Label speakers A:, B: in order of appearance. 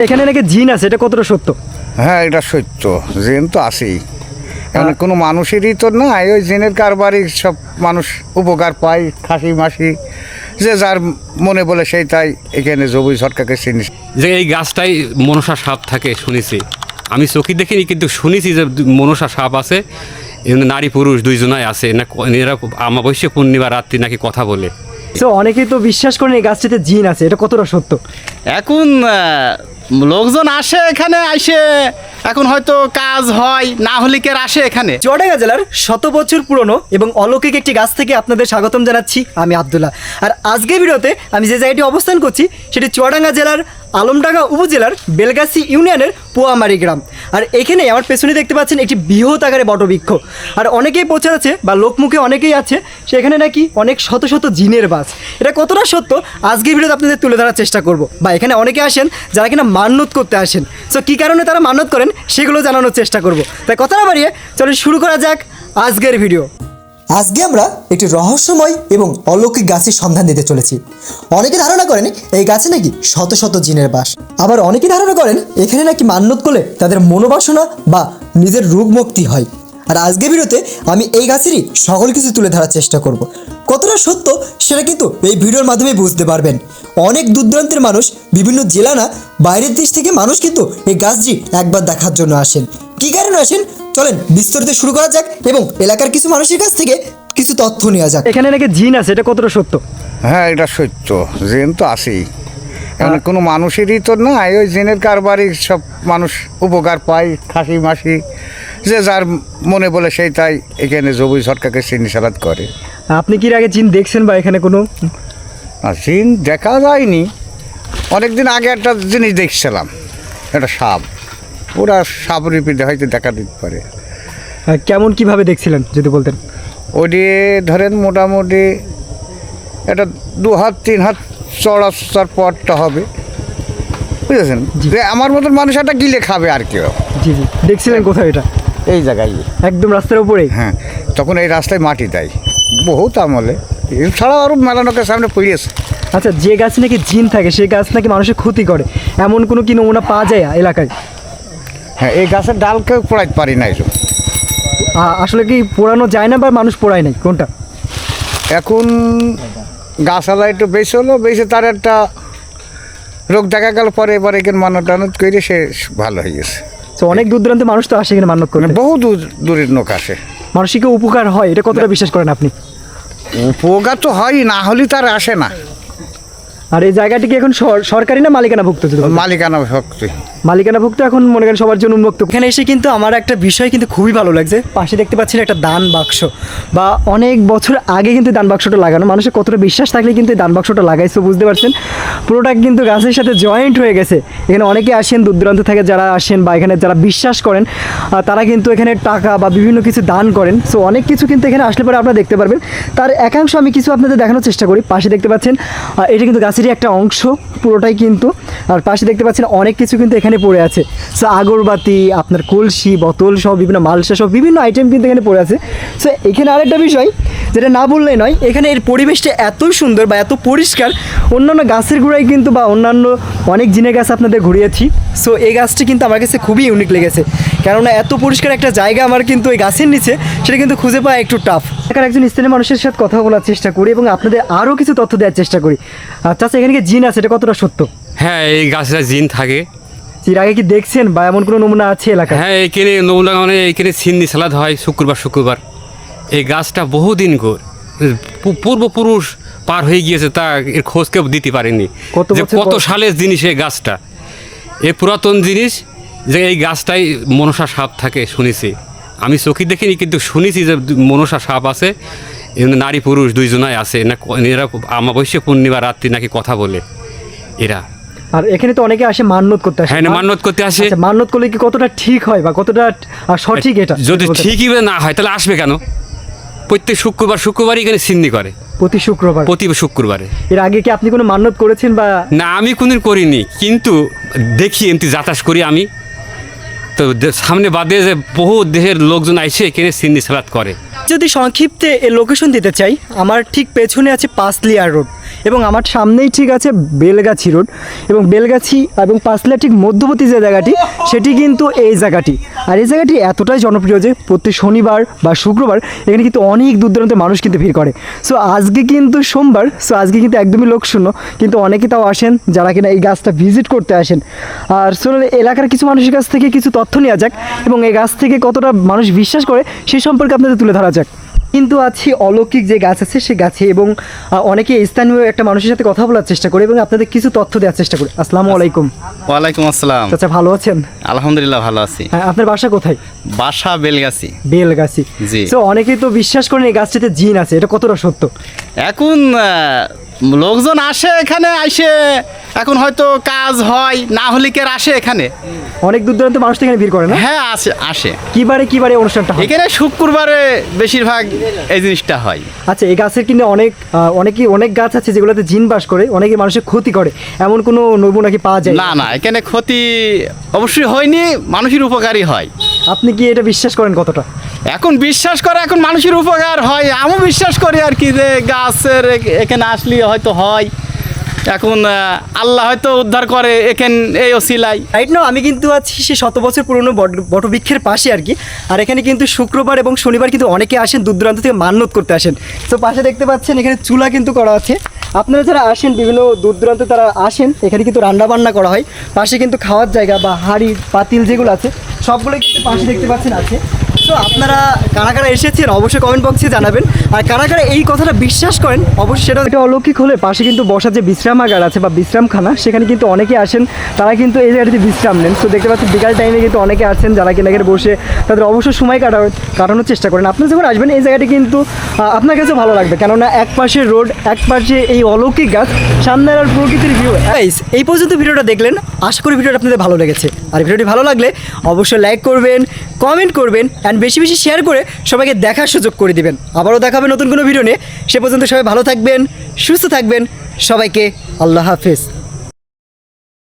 A: এখানে নাকি জিন আছে, এটা কতটা সত্য?
B: হ্যাঁ, এটা সত্য। জিন তো আছেই, এখানে কোনো মানুষেরই তো নাই, ওই জিনের কারবারই সব মানুষ উপকার পায়, খাসি মাসি যে যার মনে বলে সেই তাই এখানে জবুই সরকারকে চিনি।
C: যে এই গাছটাই মনসা সাপ থাকে শুনেছি, আমি চোখে দেখিনি কিন্তু শুনেছি যে মনসা সাপ আছে, নারী পুরুষ দুইজনাই আছে না, এরা আমাবস্যা পূর্ণিমা রাত্রি নাকি কথা বলে।
A: তো অনেকেই তো বিশ্বাস করেন এই গাছটিতে জিন আছে, এটা কতটা সত্য?
D: এখন লোকজন আসে এখানে, আসে এখন হয়তো কাজ হয় না হলে কে আসে এখানে।
A: চুয়াডাঙ্গা জেলার 100 বছর পুরনো এবং অলৌকিক একটি গাছ থেকে আপনাদের স্বাগতম জানাচ্ছি আমি আব্দুল্লাহ। আর আজকের ভিডিওতে আমি যে জায়গাটি অবস্থান করছি সেটি চুয়াডাঙ্গা জেলার আলমডাঙ্গা উপজেলার বেলগাছি ইউনিয়নের পোয়ামারি গ্রাম। আর এখানে আমার পেছনে দেখতে পাচ্ছেন একটি বৃহৎ আকারে বটবৃক্ষ। আর অনেকেই প্রচার আছে বা লোকমুখে অনেকেই আছে সেখানে নাকি অনেক শত শত জিনের বাস। এটা কতটা সত্য আজকের ভিডিওতে আপনাদের তুলে ধরার চেষ্টা করব। বা এখানে অনেকে আসেন যারা কিনা মান্যত করতে আসেন, সো কী কারণে তারা মান্যত করেন সেগুলো জানানোর চেষ্টা করব। তাই কথা না বাড়িয়ে চলো শুরু করা যাক আজকের ভিডিও।
E: আজকে আমরা একটি রহস্যময় এবং অলৌকিক গাছের সন্ধান দিতে চলেছি। অনেকে ধারণা করেন এই গাছে নাকি শত শত জিনের বাস, আবার অনেকে ধারণা করেন এখানে নাকি মান্যত করলে তাদের মনোবাসনা বা নিজের রোগ মুক্তি হয়। আর আজকের ভিডিওতে আমি এই গাছেরই সকল কিছু তুলে ধরার চেষ্টা করব। কতটা সত্য সেটা কিন্তু এই ভিডিওর মাধ্যমে বুঝতে পারবেন। অনেক দূর দূরান্তের মানুষ, বিভিন্ন জেলা না বাইরের দেশ থেকে মানুষ কিন্তু এই গাছটি একবার দেখার জন্য আসেন। কী কারণে আসেন চলেন বিস্তারিত শুরু করা যাক এবং এলাকার কিছু মানুষের কাছ থেকে কিছু তথ্য নেওয়া যাক।
A: এখানে নাকি জিন আছে, এটা কতটা সত্য?
B: হ্যাঁ, এটা সত্য। জিন তো আছেই, এখানে কোনো মানুষেরই তো নাই, ওই জিনের কারবারই সব মানুষ উপকার পায়, খাসি মাসি যে যার মনে বলে সেই তাই এখানে জবুই সরকারকে চিনি সালাদ করে।
A: আপনি কি এর আগে জিন দেখছেন বা এখানে কোনো?
B: আর জিন দেখা যায়নি, অনেকদিন আগে একটা জিনিস দেখছিলাম, একটা সাপ, ওরা সাপ রিপিটে হয়তো দেখা দিতে পারে।
A: কেমন কিভাবে দেখছিলেন যদি বলতেন?
B: ওটি ধরেন মোটামুটি এটা 2 হাত 3 হাত চড়ার পরটা হবে, বুঝেছেন? যে আমার মতন মানুষ একটা গিলে খাবে আর কেউ।
A: জি জি, দেখছিলেন কোথায় এটা?
B: এই জায়গায়,
A: একদম রাস্তার উপরেই?
B: হ্যাঁ, তখন এই রাস্তায় মাটি দেয় বহুত আমলে, এছাড়াও আরও মেলানোকের সামনে পড়িয়েছে।
A: আচ্ছা, যে গাছ নাকি জিন থাকে সেই গাছ নাকি মানুষের ক্ষতি করে, এমন কোনো কি নমুনা পাওয়া যায় এলাকায়?
B: হ্যাঁ, এই গাছের ডালকেও পোড়াইতে পারি না এসব।
A: আসলে কি পোড়ানো যায় না বা মানুষ পোড়ায় নাই, কোনটা?
B: এখন গাছালা একটু বেশি হলো, বেশি তার একটা রোগ দেখা গেল, পরে এবার এখানে মানত টানত করে সে ভালো হয়ে গেছে।
A: তো অনেক দূর দূরান্তে মানুষ তো আসে এখানে মান্যত করে,
B: বহু দূরের লোক আসে।
A: মানসিক উপকার হয়, এটা কতটা বিশ্বাস করেন আপনি?
B: উপকার তো হয়, না হলে তার আসে না।
A: আর এই জায়গাটি কি এখন সরকারি না মালিকানাভুক্ত?
B: মালিকানা ভক্তি,
A: মালিকানাভুক্ত, এখন মনে করেন সবার জন্য উন্মুক্ত। এখানে এসে কিন্তু আমার একটা বিষয় কিন্তু খুবই ভালো লাগছে, পাশে দেখতে পাচ্ছেন একটা দান বাক্স, বা অনেক বছর আগে কিন্তু দান বাক্সটা লাগানো, মানুষের কতটা বিশ্বাস থাকলে কিন্তু এই দান বাক্সটা লাগাইছে, বুঝতে পারছেন? পুরোটা কিন্তু গাছের সাথে জয়েন্ট হয়ে গেছে। এখানে অনেকে আসেন দূর দূরান্ত থেকে, যারা আসেন বা এখানে যারা বিশ্বাস করেন তারা কিন্তু এখানে টাকা বা বিভিন্ন কিছু দান করেন। সো অনেক কিছু কিন্তু এখানে আসলে পরে আপনারা দেখতে পারবেন। তার একাংশ আমি কিছু আপনাদের দেখানোর চেষ্টা করি। পাশে দেখতে পাচ্ছেন এটা কিন্তু গাছেরই একটা অংশ পুরোটাই কিন্তু। আর পাশে দেখতে পাচ্ছেন অনেক কিছু কিন্তু এখানে পড়ে আছে। সো আগরবাতি, আপনার কলসি, বোতল সহ বিভিন্ন মালসা সহ বিভিন্ন আইটেম কিন্তু এখানে পড়ে আছে। সো এখানে আরেকটা বিষয় যেটা না বললেই নয়, এখানে এর পরিবেশটা এতই সুন্দর বা এত পরিষ্কার, অন্যান্য গাছের গোড়ায় কিন্তু বা অন্যান্য অনেক জিনের গাছ আপনাদের ঘুরিয়েছি। সো এই গাছটি কিন্তু আমার কাছে খুবই ইউনিক লেগেছে, কেননা এত পরিষ্কার একটা জায়গা আমার কিন্তু এই গাছের নিচে সেটা কিন্তু খুঁজে পাওয়া একটু টাফ। এখানে একজন স্থানীয় মানুষের সাথে কথা বলার চেষ্টা করি এবং আপনাদের আরও কিছু তথ্য দেওয়ার চেষ্টা করি। আচ্ছা, এখানে কি জিন আছে, এটা কতটা সত্য?
C: হ্যাঁ, এই গাছটা জিন থাকে।
A: এর আগে কি দেখছেন বা এমন কোনো নমুনা আছে এলাকায়?
C: হ্যাঁ, এইখানে নমুনা মানে এইখানে সিন্নি সালাদ হয় শুক্রবার। এই গাছটা বহুদিন পূর্বপুরুষ পার হয়ে গিয়েছে, তা এর খোঁজ কেউ দিতে পারেনি যে কত সালের জিনিস এই গাছটা। এই পুরাতন জিনিস যে এই গাছটাই মনসা সাপ থাকে শুনেছি, আমি চোখে দেখিনি কিন্তু শুনেছি যে মনসা সাপ আছে, নারী পুরুষ দুইজনাই আছে না, এরা আমাবস্যা পূর্ণিমা রাত্রি নাকি কথা বলে এরা।
A: আর এখানে তো অনেকে আসে মান্যত করতে আসে।
C: হ্যাঁ, মান্যত করতে আসে।
A: মান্যত করলে কি কতটা ঠিক হয় বা কতটা সঠিক? এটা
C: যদি ঠিকই না হয় তাহলে আসবে কেন? প্রত্যেক শুক্রবারই এখানে সিন্নি করে,
A: প্রতি
C: শুক্রবারে।
A: এর আগে কি আপনি কোনো মান্যত করেছেন বা?
C: না, আমি কোনদিন করিনি, কিন্তু দেখি এমনি যাতায়াত করি আমি তো, সামনে বাদে যে বহু দেশের লোকজন আইসে এখানে সিন্নি সালাদ করে।
A: যদি সংক্ষিপ্তে এই লোকেশন দিতে চাই, আমার ঠিক পেছনে আছে পাঁচলিয়ার রোড এবং আমার সামনেই ঠিক আছে বেলগাছি রোড, এবং বেলগাছি এবং পাঁচলা ঠিক মধ্যবর্তী যে জায়গাটি সেটি কিন্তু এই জায়গাটি। আর এই জায়গাটি এতটাই জনপ্রিয় যে প্রত্যেক শনিবার বা শুক্রবার এখানে কিন্তু অনেক দূর দূরান্তের মানুষ কিন্তু ভিড় করে। সো আজকে কিন্তু সোমবার, সো আজকে কিন্তু একদমই লোকশূন্য, কিন্তু অনেকে তাও আসেন যারা কিনা এই গাছটা ভিজিট করতে আসেন। আর চলুন এলাকার কিছু মানুষের কাছ থেকে কিছু তথ্য নেওয়া যাক এবং এই গাছ থেকে কতটা মানুষ বিশ্বাস করে সেই সম্পর্কে আপনাদের তুলে ধরা যাক। কিন্তু আছি অলৌকিক যে গাছ আছে সেই গাছে, এবং অনেকে স্থানীয় একটা মানুষের সাথে কথা বলার চেষ্টা করে এবং আপনাদের কিছু তথ্য দেওয়ার চেষ্টা করে। আসসালামু আলাইকুম।
D: ওয়ালাইকুম আসসালাম।
A: আচ্ছা, ভালো আছেন?
D: আলহামদুলিল্লাহ ভালো আছি।
A: হ্যাঁ, আপনার বাসা কোথায়?
D: বাসা বেলগাছি।
A: বেলগাছি।
D: জি।
A: তো অনেকেই তো বিশ্বাস করেন এই গাছটাতে জিন আছে, এটা কতটা সত্য?
D: এখন লোকজন আসে এখানে, আইসে এখন হয়তো কাজ হয়, না হলে কে আর আসে এখানে?
A: অনেক দূর দূরান্ত মানুষ তো এখানে ভিড় করে না?
D: হ্যাঁ আসে।
A: কিবারে অনুষ্ঠানটা হয়?
D: এখানে শুক্রবারে বেশিরভাগ এই জিনিসটা হয়।
A: আচ্ছা, এই গাছের কিনে অনেক গাছ আছে যেগুলোতে জিন বাস করে, অনেকে মানুষের ক্ষতি করে, এমন কোনো নমুনা কি পাওয়া যায়?
D: না এখানে ক্ষতি অবশ্যই হয়নি, মানুষের উপকারই হয়।
A: আপনি কি এটা বিশ্বাস করেন কতটা?
D: এখন বিশ্বাস করে, এখন মানুষের উপকার হয়, আমিও বিশ্বাস করি আর কি, যে গাছের এখানে আসলে হয়তো হয়। এখন আল্লাহ হয়তো উদ্ধার করে এখানে এই ওসিলাই।
A: রাইট নাও আমি কিন্তু আছি সে 100 বছর পুরনো বটবৃক্ষের পাশে আর কি। আর এখানে কিন্তু শুক্রবার এবং শনিবার কিন্তু অনেকে আসেন দূর দূরান্ত থেকে মান্যত করতে আসেন। তো পাশে দেখতে পাচ্ছেন এখানে চুলা কিন্তু করা আছে। আপনারা যারা আসেন বিভিন্ন দূর দূরান্ত তারা আসেন, এখানে কিন্তু রান্না বান্না করা হয়। পাশে কিন্তু খাওয়ার জায়গা বা হাঁড়ি পাতিল যেগুলো আছে সবগুলো কিন্তু পাশে দেখতে পাচ্ছেন আছে। তো আপনারা কারা কারা এসেছেন অবশ্যই কমেন্ট বক্সে জানাবেন, আর কারা কারা এই কথাটা বিশ্বাস করেন অবশ্যই সেটা। এটা অলৌকিক হলে পাশে কিন্তু বসার যে বিশ্রামাগার আছে বা বিশ্রামখানা, সেখানে কিন্তু অনেকে আসেন, তারা কিন্তু এই জায়গাটিতে বিশ্রাম নেন। তো দেখতে পাচ্ছেন বিকাল টাইমে কিন্তু অনেকে আছেন যারা কিনা এখানে বসে তাদের অবশ্যই সময় কাটানোর চেষ্টা করেন। আপনারা যখন আসবেন এই জায়গাটি কিন্তু আপনার কাছে ভালো লাগবে, কেননা এক পাশে রোড, এক পাশে এই অলৌকিক গাছ, সামনের আর প্রকৃতির ভিউ। এই পর্যন্ত ভিডিওটা দেখলেন, আশা করি ভিডিওটা আপনাদের ভালো লেগেছে। আর ভিডিওটি ভালো লাগলে অবশ্যই লাইক করবেন, কমেন্ট করবেন, অ্যান্ড বেশি বেশি শেয়ার করে সবাইকে দেখার সুযোগ করে দিবেন। আবারও দেখাবে নতুন কোনো ভিডিও নিয়ে। সে পর্যন্ত সবাই ভালো থাকবেন, সুস্থ থাকবেন। সবাইকে আল্লাহ হাফেজ।